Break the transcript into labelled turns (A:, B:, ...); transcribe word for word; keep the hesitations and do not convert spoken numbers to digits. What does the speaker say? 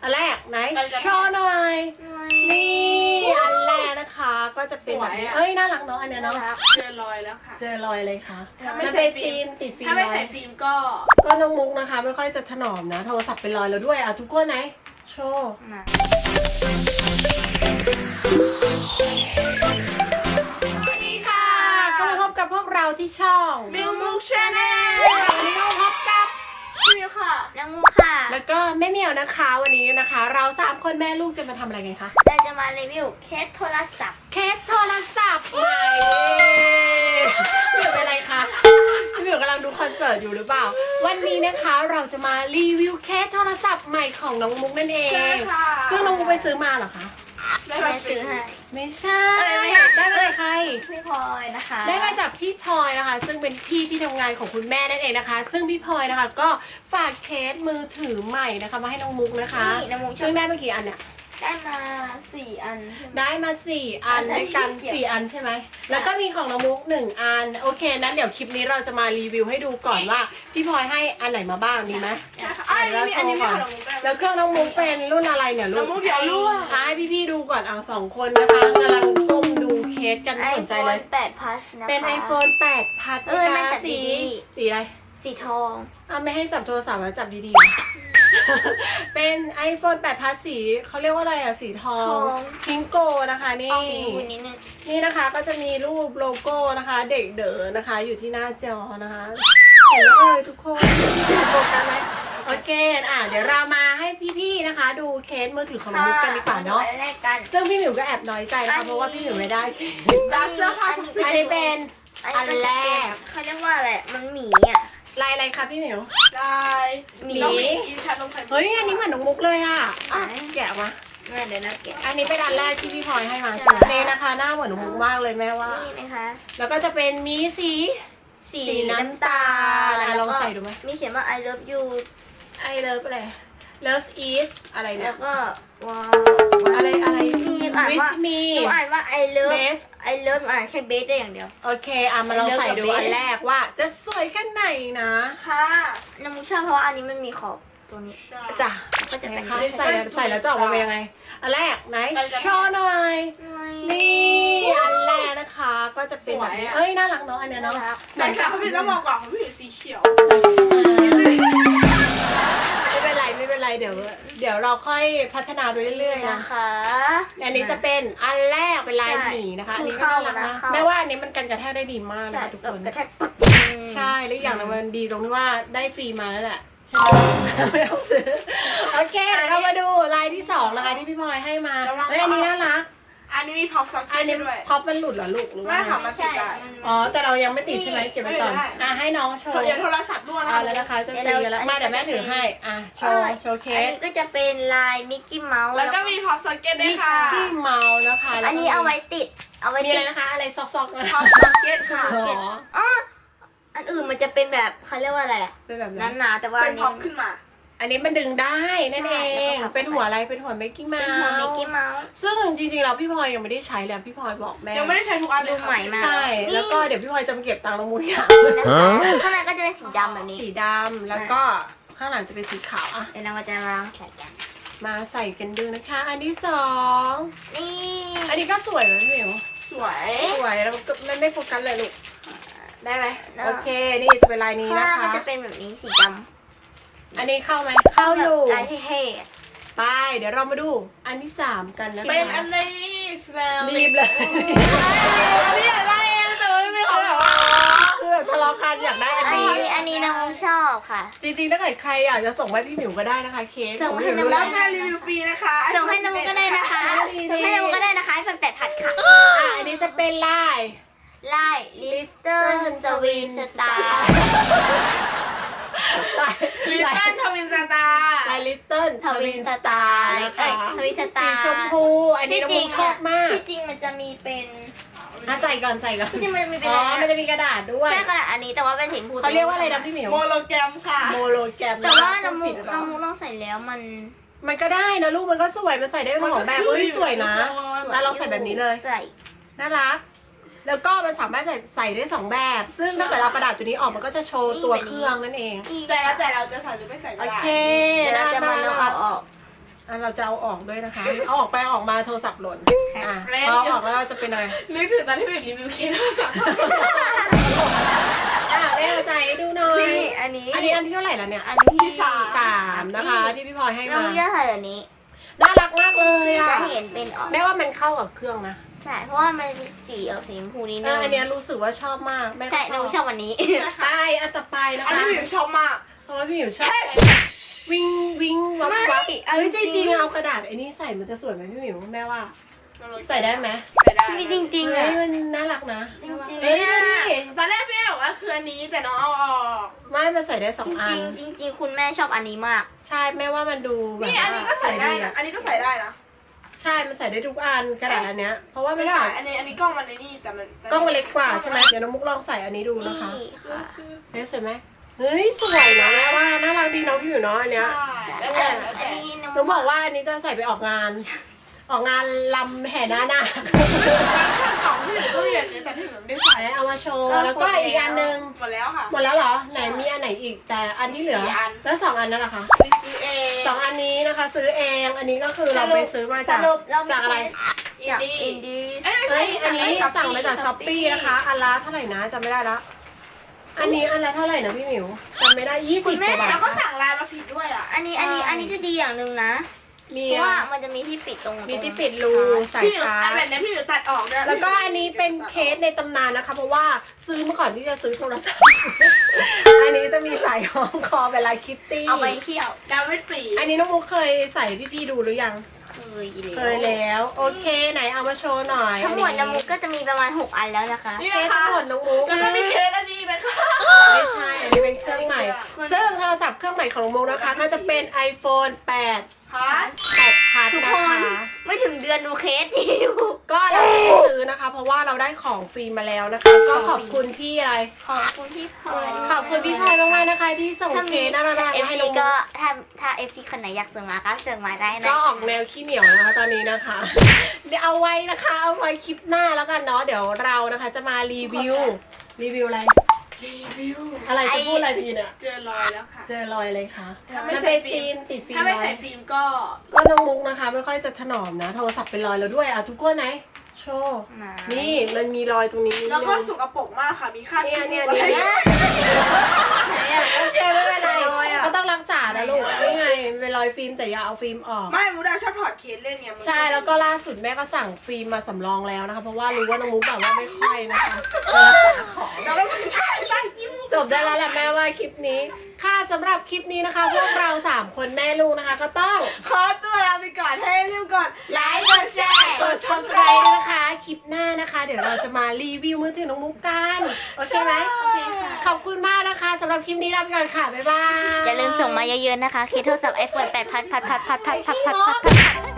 A: อันแรกไหนโชว์หน่อยนี่อันแรกนะคะก็จะเป็นแบบนี้เอ้ยน่ารักเนาะอันเนี้ยเนาะ
B: เจอรอยแล้วค่ะ
A: เจอรอยเลยค่ะ
B: ถ้าไม่ใส่ฟิล์ม
A: ติดฟิล์ม
B: ถ้าไม่ใส่ฟิล์มก็
A: ก็น้องมุกนะคะไม่ค่อยจะถนอมนะโทรศัพท์เป็นรอยแล้วด้วยอ่ะทุกคนไหนโชว์สวัสดีค่ะก็มาพบกับพวกเราที่ช่อง
B: มิวมุกชาแนล
A: วันนี้เราพบกับ
B: พี่มิวค่ะ
C: น้องมุกค่ะ
A: แล้วก็แม่เหมียวนะคะวันนี้นะคะ เราสามคนแม่ลูกจะมาทำอะไรกันคะ
C: เราจะมารีวิวเคสโทรศัพท์
A: เคสโทรศัพท์ใหม่พี่เหมียวเป็นอะไรคะพี่เหมียวกำลังดูคอนเสิร์ตอยู่หรือเปล่าวันนี้นะคะเราจะมารีวิวเคสโทรศัพท์ใหม่ของน้องมุกนั่นเองซึ่งน้องมุกไปซื้อมาเหรอคะ
C: ได้มาซื้อให้
A: ไม่ใช่ได้มาจากใคร
C: พี่พลอยนะคะ
A: ได้มาจากพี่พลอยนะคะซึ่งเป็นพี่ที่ทำงานของคุณแม่นั่นเองนะคะซึ่งพี่พลอยนะคะก็ฝากเคสมือถือใหม่นะคะมาให้น้องมุกนะคะซึ่งได้มากี่อันเนี่ย
C: ได้มาสี่อัน
A: ได้มาสี่อันด้วยกันสี่อันใช่ไหมแล้วก็มีของน้องมุกหนึ่งอันโอเคนั้นเดี๋ยวคลิปนี้เราจะมารีวิวให้ดูก่อนว่าพี่พลอยให้อันไหนมาบ้างดีไหม
B: ใช่ค่ะอันนี้อันนี้มีของน้องมุก
A: แล้วเครื่องน้องมุกเป็นรุ่นอะไรเนี่ยลูก
B: น้องมุกเดี๋ยวรู้
A: ให้พี่ๆดูก่อนอ่ะสองคนนะคะกำลังก้มดูเคสกันสนใจเลย
C: แปด plus นะคะ
A: เป็น ไอโฟน แปด พัดนะคะสีสีอะไร
C: สีทอง
A: อ่ะไม่ให้จับโทรศัพท์แล้วจับดีๆเป็น ไอโฟน แปด พัดสีเขาเรียกว่าอะไรอ่ะสีทองพิงโกนะคะนี่นี่นะคะก็จะมีรูปโลโก้นะคะเด็กเด๋อนะคะอยู่ที่หน้าจอนะคะเห็นเลยทุกคนโฟกัสไหมโอเคอ่ะเดี๋ยวเรามาให้พี่ๆนะคะดูเคสมือถือของมุกกันดีกว่าเนาะซึ่งพี่หมิวก็แอบน้อยใจนะคะเพราะว่าพี่หมิวไม่ได้
B: ดับเสื้อผ้าอั
A: นนี้เป็นอันแรก
C: เขาเรียกว่าอะไรมันหมีอ่ะ
A: ลายอะไรคะพี่หมิว
B: ลาย
A: หมี
B: กินชานมไข่
A: เฮ้ยอันนี้เหมือนน้องมุกเลยอ่ะแกะมา
C: แม่เดี๋ยวนะแกะ
A: อันนี้เป็นอันแรกที่พี่พลอยให้มาใช่ไหมนี่นะคะหน้าเหมือนน้องมุกมากเลยแม่ว่า
C: นี่นะคะ
A: แล้วก็จะเป็นมีสี
C: สีน้ำตาล
A: ลองใส่ดูไหม
C: มีเขียนว่า I love you
A: I love อะไร Love is อะไรเนี่ย
C: แล้วก็ว้าว
A: อะไรอะไร
C: มีอ่านว่าหนูอ่านว่า I love
A: best
C: I love อ่านแค่ best ได้อย่างเดียว
A: โอเคอ่ะมาลองใส่ดูอันแรกว่าจะสวยแค่ไหนนะ
B: ค่ะ
C: น้ำมุกชอบเพราะว่าอันนี้มันมีขอบตัวนี้
A: จ้ะ
C: ก็จะเป็น
A: ใส่ใส่แล้วจะออกมาเป็นยังไงอันแรกไหนโชว์หน่อยนี่อันแรกนะคะก็จะเป็นแบบนี้เอ้ยน่ารักเนาะอันเนี้ยเนาะ
B: แต่จากเขาเป็นต้องมองก่อนเขาเป็นสีเขียว
A: ไม่เป็นไรไม่เป็นไรเดี๋ยวเดี๋ยวเราค่อยพัฒนาไปเรื่อยๆนะคะอันนี้จะเป็นอันแรกเป็นลายหมีนะคะอันนี้ก็น่ารักนะแม้ว่าอันนี้มันกันกระแทกได้ดีมากนะคะทุกคน
C: กระแทก
A: ใช่และอย่างนึงมันดีตรงที่ว่าได้ฟรีมาแล้วแหละไม่ต้องซื้อโอเคเรามาดูลายที่สองนะคะที่พี่พลอยให้มาเฮ้ยอันนี้น่ารัก
B: อันนี้มีพ็อปซ็อกเก็ตด้วย
A: พ็อปมันหลุดเหรอลูกหรือว่า
B: ไม่ค่ะมันติดได้
A: อ๋อแต่เรายังไม่ติดใช่ไหมเก็บไว้ก่อนอ่ะให้น้องโชว์
B: อย่าโทรศัพท์ด้วยนะ
A: แล้วนะคะจะตีกันแล้วมาเดี๋ยวแม่ถือให้อ่ะโชว์โชว์เคส
C: อันนี้ก็จะเป็นลายมิกกี้เมาส์
B: แล้วก็มีพ็อปซ็อกเก็ตด้วยค่ะ
A: มิกกี้เมาส์นะคะ
C: อันนี้เอาไว้ติดเอาไว้
A: มีอะไรนะคะอะไรซอกๆนะ
B: พ็อปซ็อกเก็ตค่ะ
C: อ๋ออันอื่นมันจะเป็นแบบเขาเรียกว่าอะไรอ่ะ
A: เป็นแบบ
C: นั้นหนาแต่ว่า
B: เป็นพ็อปขึ้นมา
A: อันนี้มันดึงได้นั่นเองเป็นหัวอะไรเป็นหัวมิกกี้เมาส์
C: เป็นหัวมิกกี้เมาส์
A: ซึ่งจริงๆเราพี่พลอยยังไม่ได้ใช้เลยพี่พลอยบอกแม่
B: ยังไม่ได้ใช้ทุกอันเลย
C: ใหม่มาก
A: ใช่แล้วก็เดี๋ยวพี่พลอยจะมาเก็บตังค์น้องมุ้ยค่ะ
C: ข้างในก็จะเป็นสีดำแบบนี้
A: สีดำแล้วก็ข้างหลังจะเป็นสีขาวอ่ะ
C: เดี๋ยวเราจะมาใส่กัน
A: มาใส่กันดูนะคะอันที่สอง
C: นี่
A: อันนี้ก็สวยไหมพี่หมิว
B: สวย
A: สวยแล้วก็ไม่ไม่โฟกัสเลยลูกได้ไหมโอเคนี่จะเป็นลายนี้นะคะ
C: ข้างหน้าจะเป็นแบบนี้สีดำ
A: อันนี้เข้าไหมเข้าอยู่
C: ลายเท่
A: ๆไปเดี๋ยวเรามาดูอันที่สามกันนะคะ
B: เป็นอันนี้สเปล
A: รีบเลย
B: อันนี้อะไรเองแต่ไม่ไม่เขาแบบ
A: คือทะเลาะกันอยากได้อันนี้
C: อันนี้น้องชอบค่ะ
A: จริงๆถ้าเกิดใครอยากจะส่งให้พี่หมิวก็ได้นะคะเค้ก
C: ส่งให้น้อง
B: รับงานรีวิวฟรีนะคะ
C: ส่งให้น้องก็ได้นะคะส่งให้น้องก็ได้นะคะให้แฟนแปดพัดค่ะ
A: อ่ะอันนี้จะเป็นลาย
C: ลายลิสเตอร์สวีสตาร์
B: ลิตเติ้ลทวินสตาร์
A: ลายลิตเติ้ล
C: ทวินสตาร์นะคะทวินสตาร์
A: สีชมพูอันนี้น้องมุกชอบมาก
C: ที่จริงมันจะมีเป็น
A: อ่ะใส่ก่อนใส่ก่อน
C: ที่จริงมันมีเป็น
A: อ๋อมันจะมีกระดาษด้วย
C: ใช่กระดาษอันนี้แต่ว่าเป็นสีชมพู
A: เขาเรียกว่าอะไรนะพี่หมิว
B: โมโลแกรมค่ะ
A: โมโลแกรม
C: แต่ว่าน้ำมุกน้ำมุกต้องใส่แล้วมัน
A: มันก็ได้นะลูกมันก็สวยมันใส่ได้ทั้งสองแบบเฮ้ยสวยนะแล้วเราใส่แบบนี้เลย
C: ใส่
A: น่ารักแล้วก็มันสามารถใส่ใส่ได้สองแบบซึ่งถ้าเกิดเรากระดาษตัวนี้ออกมันก็จะโชว์ตัวเครื่องนั่นเอง
B: แต่แล้วแต่เราจะใส่หรือไม่ใส่ก็ได้
A: โอเค
C: เราจะมาลองเอาออก
A: อ่ะเราจะเอาออกด้วยนะคะ เอาออกไปเอาออกมาโทรศัพท์หล่นอ่ะพอเอาออกแล้วเราจะเป็นอะไร
B: นึกถึงตอนที่เป็นรีวิวเคสโทรศัพท์
A: อ่ะเร็วใส่ให้ดูหน่อย
C: นี่อันนี้
A: อันนี้อันที่เท่าไหร่แล้วเนี่ย
C: อันนี้
B: ที่สาม
A: สามนะคะที่พี่พลอยให้
C: น้อ
A: มาง
C: จะใส่แบบนี้
A: น่ารักมากเลยอ่ะ
C: จะเห็นเป็นออก
A: แม่ว่ามันเข้ากับเครื่องนะ
C: ใช่เพราะว่ามันมีสีออกสีชมพูนิด
A: เอ
C: นึ
A: อง อันเนี้ยรู้สึกว่าชอบมากแม่ก็
C: ใช่
A: ช
C: น้
A: อ
C: อบ งชอบวันนี้
A: ใช่อันต่อไปนะ
B: อัน
A: คะ
B: นี้หมิวชอบมาก
A: เพราะว่าพี่หมิวชอบวิ่งวิ่งวับวับ
C: ไม่
A: เอ้ยจ
C: เอาจริง
A: ริงๆเอากระดาษไอ้นี่ใส่มันจะสวยไหมพี่หมิวแม่ว่า ใส่ได้ไหม
B: ใส่ได้
C: มีจริงๆ
A: เฮ้
C: อ่ะ
A: ยมันน่ารักนะ
C: จริงๆ
A: เฮ้ยดูดิ
B: ตอนแรกพี่บอกว่าคืออันนี้แต่น้องเอาออก
A: ไม่มันใส่ได้สอ
C: จ
A: งอั
C: ริ
A: น
C: งๆจริงๆคุณแม่ชอบอันนี้มาก
A: ใช่แม่ว่ามันดูแบบ
B: นี่อันนี้ก็ใส่ได้นะอันนี้ก็ใส่ได้นะ
A: ใช่มันใส่ได้ทุกอันกระดาษอันเนี้ยเพราะว่า
B: ไม่
A: ไม่
B: ได้
A: ใส่
B: อันนี้อันนี้กล้องมันในนี่แต่มัน
A: กล้องมันเล็กกว่าใช่ไหมเดี๋ยวน้องมุกลองใส่อันนี้ดูนะคะ
C: นี่ค่ะ
A: เฮ้ยสวยไหมเฮ้ยสวยนะแม่ว่าน่ารักดีน้องพี่อยู่เนาะอันเนี้ย
B: ใช่
C: แล้
B: แล้ว ว
C: แต่
B: แต่แล้ว
C: อัน
B: แต่
C: นี้น้
A: หนูบอกว่าอันนี้จะใส่ไปออกงาน ออกงานลำแห่หน้าหน้า
B: ของพี่หมิวก็มีแบบนี้แต่พี่หมิวไม่ได้ใส่
A: ใส่เอามาโชว์แล้วก็อีกอันหนึง
B: หมดแล้วค่ะ
A: หมดแล้วเหรอไหนมีอันไหนอีกแต่อันที่เหลือ
B: สี่อัน
A: แล้วสองอันนั่นแหละคะ
B: ไปซื้อเอง
A: สองอันนี้นะคะซื้อเองอันนี้ก็คือเราไปซื้อมา
C: ส
A: จาก
C: รุปเรา
A: จากอะไร
C: จากอินดี้
B: เอ้ยไม่
A: เฮ้
B: ใช่
A: ยอันนี้สั่งมาจากช้อปปี้นะคะ อันละเท่าไหร่นะจำไม่ได้ละอันนี้อันละเท่าไหร่นะพี่หมิวจำไม่ได้ยี่สิบกว่าบาท
B: แล้วก็สั่งไลน์มาผิดด้วยอ่ะ
C: อันนี้อันนี้อันนี้จะดีอย่างหนึ่งนะ
A: มี
C: เพราะ
A: อะ
C: ว่า
A: ไร
C: มันจะมีที่ปิดตรง
A: มีที่ปิดรูใส่
B: พี่หมิว
A: ชา
B: อัน
A: ร์
B: แบบ
A: จ
B: นี้พี่หมิวตัดออกด้วย
A: แล้วก็อันนี้เป็นเคสในตำนานนะคะ เพราะว่าซื้อมาก่อนที่จะซื้อโทรศัพท์ อันนี้จะมีสายคล้องคอเป็นลายคิตตี้
C: เอาไปเที่ยว
B: ดาวไม่ปี
A: อันนี้น้องมุกเคยใส่พี่ๆดูหรือยัง
C: เคยอีก
A: เคยแล้วโอเคไหนเอามาโชว์หน่อย
C: ทั้งหมดน้ำมุกก็จะมีประมาณหกอันแล้วนะคะ
B: นี่
A: เคส
B: นะคะ
A: ทั้งหมดน้องมุก
B: แล้วก็มีเคสอันนี้นะคะ
A: ไม่ใช่อันนี้เป็นเครื่องใหม่ ซึ่งโทรศัพท์เครื่องใหม่ของน้องมุกนะคะ ก็จะเป็น iPhone แปด
B: พัด
A: แปดพัท
C: ทุก
A: นะ
C: คน
A: คะ
C: ไม่ถึงเดือนดูเคสนี่ดู
A: ก็เราจะไม่ซื้อนะคะ เพราะว่าเราได้ของฟรีมาแล้วนะคะ ก็ขอบคุณพี่อะไร
C: ขอบคุณที่พลอย
A: ขอบคุณพี่พลอยมากๆนะคะ ที่ส่ง
C: ถ้า
A: เค
C: มี
A: สน่ารัก
C: เอ
A: ๆ
C: ฟ
A: ให้
C: ซี
A: น้องมุ
C: ก็
A: ก
C: ถ้าถ้าเอฟซีคนไหนอยากเสริมมาก็เสริมมาได้นะ
A: ก็ออกแนวขี้เหนียวนะคะตอนนี้นะคะ เดี๋ยวเอาไว้นะคะเอาไว้คลิปหน้าแล้วกันเนาะเดี๋ยวเรานะคะจะมารีวิวรีวิวอะไร
B: รีวิว
A: อะไรจะพูดอะไรดีเนี่ย
B: เจอรอยแล้วค่ะ
A: เจอรอยเลยค่ะ
B: ถ้าไม่
A: มัน
B: ใส่
A: เป็น
B: ฟิ
A: ฟิ
B: ล์
A: ล์
B: ม
A: มติดฟิล์ม
B: ถ้าไม่
A: ไว้
B: ใส่ฟิล์มก็
A: ก็น้องมุกนะคะ ไม่ค่อยจะถนอมนะ โทรศัพท์เป็นรอยแล้วด้วยอ่ะทุกคนไหนโชว์นี่มันมีรอยตรงนี้นิด
B: แล้วก็
A: นึง
B: สกปรกมากค่ะ มีคราบ
A: เนี่ย
B: ขี้
A: เนี่ย
B: มูก
A: เนี่ย
B: อะไร
A: เนี่ยโอเคไม่เป็นไร
C: รอยอะ
A: ก็ต้องรักษานะลูกนี่ไงเป็นรอยฟิล์มแต่อย่าเอาฟิล์มออก
B: ไม่มูดาชอบถอดเคสเล่นไงมัน
A: ใช่แล้วก็ล่าสุดแม่ก็สั่งฟิล์มมาสำรองแล้วนะคะ เพราะว่ารู้ว่าน้องมุกแบบว่าไม่ค่อยนะคะเออของ
B: แล้วก็ไม่ใช่ไล่ขี้มูก
A: จบได้แล้วแหละแม่ว่าคลิปนี้ ค่ะสำหรับคลิปนี้นะคะ พวกเราสามคนแม่ลูกนะคะ ก็ต้อง
B: ขอตัวลาไปก่อนให้รีบกด
C: ไลค์กดแชร์
A: กด subscribe ด้วยนะคะ คลิปหน้านะคะ เดี๋ยวเราจะมารีวิวมือถือน้องมุกกัน โอเคไหม
C: โอเคค่ะ
A: ขอบคุณมากนะคะสำหรับคลิปนี้ลาไปก่อนค่ะ บ๊ายบาย
C: อย่าลืมส่งมาเยอะๆนะคะ เคสโทรศัพท์ไอโฟนแปดพัดพัดพัดพัดพัดพัดพัดพัด